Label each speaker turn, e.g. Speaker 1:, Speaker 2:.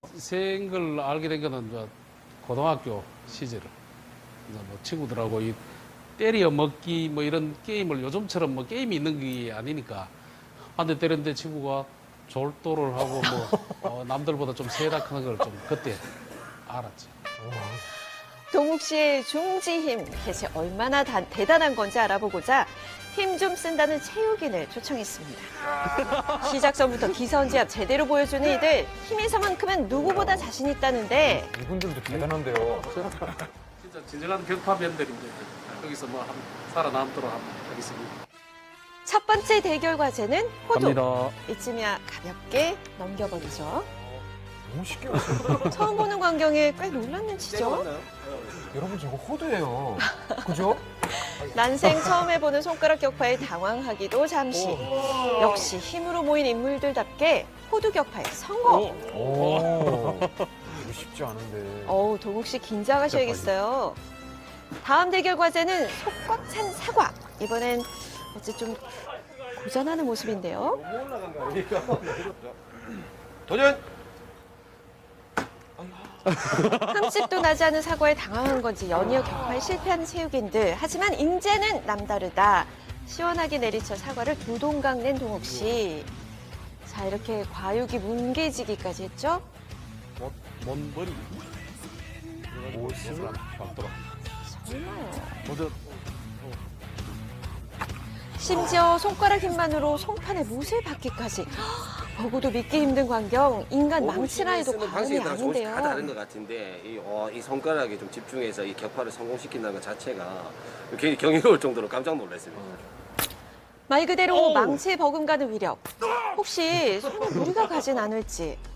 Speaker 1: 생걸 알게 된 거는 이제 고등학교 시절. 이제 뭐 친구들하고 이 때려 먹기 뭐 이런 게임을 요즘처럼 뭐 게임이 있는 게 아니니까 한 대 때렸는데 친구가 졸도를 하고 뭐 남들보다 좀 세다 크는 걸 좀 그때 알았지.
Speaker 2: 동욱 씨의 중지 힘 대체 얼마나 대단한 건지 알아보고자 힘 좀 쓴다는 체육인을 초청했습니다. 시작 전부터 기선제압 제대로 보여주는 이들 힘에서만큼은 누구보다 자신 있다는데
Speaker 3: 이분들도 대단한데요.
Speaker 1: 진짜 진정한 격파맨들인데 여기서 뭐 살아남도록 하겠습니다.
Speaker 2: 첫 번째 대결 과제는 호두.
Speaker 1: 갑니다.
Speaker 2: 이쯤이야 가볍게 넘겨버리죠.
Speaker 3: 너무 쉽게 왔어요.
Speaker 2: 처음 보는 광경에 꽤 놀란 눈치죠.
Speaker 3: 여러분 저거 호두예요. 그죠?
Speaker 2: 난생 처음 해보는 손가락 격파에 당황하기도 잠시. 역시 힘으로 모인 인물들답게 호두 격파에 성공.
Speaker 3: 오. 이거 쉽지 않은데.
Speaker 2: 동욱 씨 긴장하셔야겠어요. 다음 대결 과제는 속 꽉 찬 사과. 이번엔 어째 좀 고전하는 모습인데요.
Speaker 4: 도전!
Speaker 2: 흠집도 나지 않은 사과에 당황한 건지 연이어 격파에 실패하는 체육인들. 하지만 인제는 남다르다. 시원하게 내리쳐 사과를 두 동강 낸 동욱 씨. 자, 이렇게 과육이 뭉개지기까지 했죠?
Speaker 1: 뭔 머리?
Speaker 3: 옷을
Speaker 1: 맞더라.
Speaker 2: 정말요. 심지어 손가락 힘만으로 송판에 못을 박기까지. 보고도 믿기 힘든 광경. 인간 망치라 해도 과언이
Speaker 4: 방식이 다 조금씩 다 다른
Speaker 2: 아닌데요.
Speaker 4: 것 같은데 이 손가락에 좀 집중해서 이 격파를 성공시킨다는 것 자체가 굉장히 경이로울 정도로 깜짝 놀랐습니다.
Speaker 2: 말 그대로 망치에 버금가는 위력. 혹시 손에 무리가 가진 않을지.